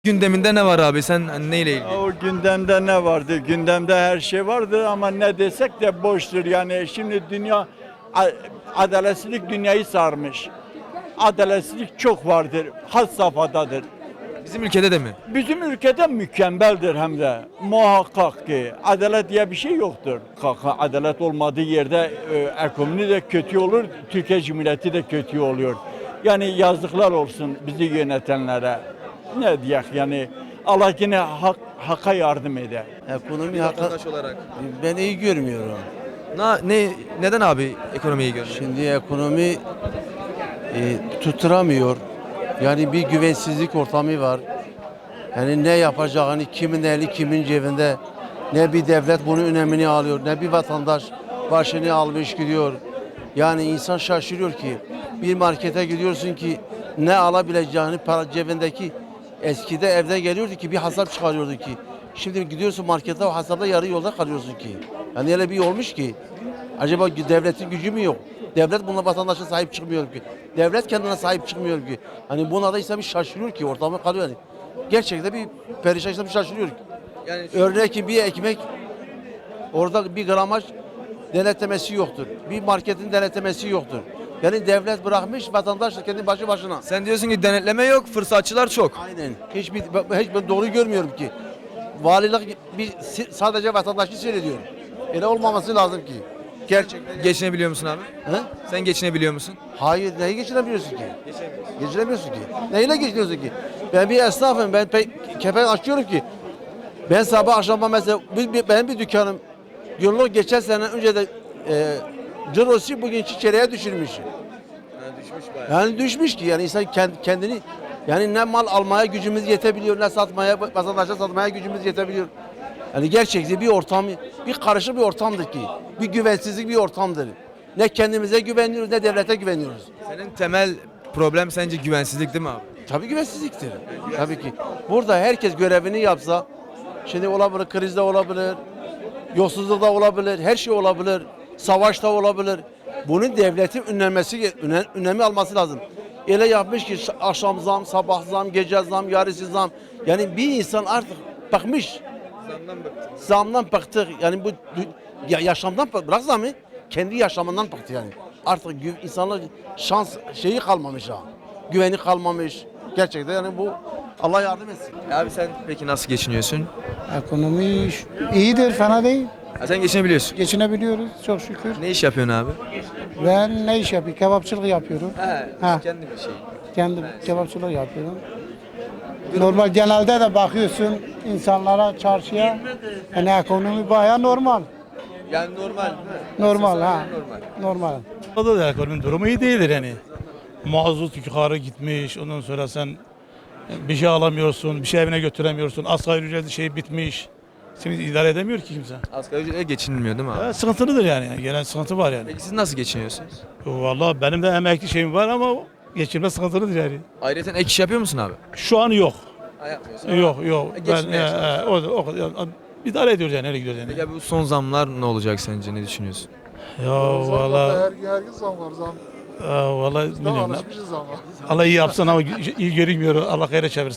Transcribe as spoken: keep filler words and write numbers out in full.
Gündeminde ne var abi? Sen hani neyle ilgili? O gündemde ne vardı? Gündemde her şey vardı ama ne desek de boştur. Yani şimdi dünya a- adaletsizlik dünyayı sarmış. Adaletsizlik çok vardır. Had safhadadır. Bizim ülkede de mi? Bizim ülkede mükemmeldir hem de. Muhakkak ki adalet diye bir şey yoktur. Kaka adalet olmadığı yerde e, ekonomi de kötü olur, Türkiye Cumhuriyeti de kötü oluyor. Yani yazıklar olsun bizi yönetenlere. Ne diyek yani Allah yine hak, haka yardım eder. Ekonomi hakkı Vatandaş olarak. ben iyi görmüyorum. Na, ne neden abi ekonomiyi görmüyor? Şimdi ekonomi e, tutturamıyor. Yani bir güvensizlik ortamı var. Yani ne yapacağını kimin eli kimin cebinde. Ne bir devlet bunun önemini alıyor, ne bir vatandaş başını almış gidiyor. Yani insan şaşırıyor ki bir markete gidiyorsun ki ne alabileceğini para cebindeki eskide evde geliyordu ki bir hesap çıkarıyordu ki. Şimdi gidiyorsun markete o hesapta yarı yolda kalıyorsun ki. Yani öyle bir olmuş ki acaba devletin gücü mü yok? Devlet buna vatandaşa sahip çıkmıyor ki. Devlet kendine sahip çıkmıyor ki. Hani buna da insan bir şaşırıyor ki ortamı kalıyor yani. Gerçekten bir perişan insan bir şaşırıyor ki. Yani Örneğin ki bir ekmek orada bir gramaj denetlemesi yoktur. Bir marketin denetlemesi yoktur. Yani devlet bırakmış vatandaş da kendi başı başına. sen diyorsun ki denetleme yok, fırsatçılar çok. Aynen. Hiçbir hiç ben doğru görmüyorum ki. Valilik bir sadece vatandaşı seyrediyor. Öyle olmaması lazım ki. Gerçekten. Geçinebiliyor musun abi? He? Sen geçinebiliyor musun? Hayır, neyi geçinebiliyorsun ki? Geçinemiyorsun ki. Neyle geçiniyorsun ki? Ben bir esnafım, ben pek kepenk açıyorum ki. Ben sabah akşama mesela, bir, bir, benim bir dükkanım, yıllık geçen sene önce de e, cirosu bugün çeyreğe düşürmüş. düşmüş bayağı. Yani düşmüş ki yani insan kend- kendini, yani ne mal almaya gücümüz yetebiliyor, ne satmaya, vatandaşa satmaya gücümüz yetebiliyor. Yani gerçekten bir ortam, bir karışık bir ortamdır ki. Bir güvensizlik bir ortamdır. Ne kendimize güveniyoruz, ne devlete güveniyoruz. Senin temel problem sence güvensizlik değil mi abi? Tabii güvensizliktir. Tabii ki. Burada herkes görevini yapsa, şimdi olabilir, krizde olabilir, yolsuzlukta olabilir, her şey olabilir, savaşta olabilir. Bunun devletin önlemesi, önem, önemi alması lazım. Öyle yapmış ki akşam zam, sabah zam, gece zam, yarısı zam. Yani bir insan artık bakmış. Zamdan bıktım. Zamdan bıktık. Yani bu ya, yaşamdan bık- bırak zamı, kendi yaşamından bıktı yani. Artık gü- insanlar şans şeyi kalmamış ha. Güveni kalmamış. Gerçekten yani bu Allah yardım etsin. Abi sen peki nasıl geçiniyorsun? Ekonomi iyidir, fena değil. Ha, sen geçinebiliyorsun. Geçinebiliyoruz çok şükür. Ne iş yapıyorsun abi? Ben ne iş yapıyorum? Kebapçılık yapıyorum. Ha. kendi bir şey. Kendim kebapçılık yapıyorum. Normal genelde de bakıyorsun insanlara, çarşıya. Yani ekonomi bayağı normal. Yani normal. Normal ha. Normal. Normal. Orada da ekonominin durumu iyi değildir yani. Mazot yukarı gitmiş, ondan sonra sen bir şey alamıyorsun, bir şey evine götüremiyorsun, asgari ücretli şey bitmiş. Şimdi idare edemiyor ki kimse. Asgari ücretle geçinilmiyor değil mi abi? Evet, sıkıntılıdır yani, genel sıkıntı var yani. Peki siz nasıl geçiniyorsunuz? Vallahi benim de emekli şeyim var ama geçirme sıkıntılıdır yani. Ayrıca ek iş yapıyor musun abi? Şu an yok. Ha, yapmıyorsun. Yok yok. E, Ben geçinmeye e, e, o, o, o, idare ediyoruz yani, nereye gidiyoruz yani. Peki abi bu son zamlar ne olacak sence? Ne düşünüyorsun? Ya vallahi Her, her gün zam var zam. e, vallahi Biz de bilmiyorum. alışmışız ama. Allah iyi yapsın ama iyi görünmüyor. Allah hayra çevirsin.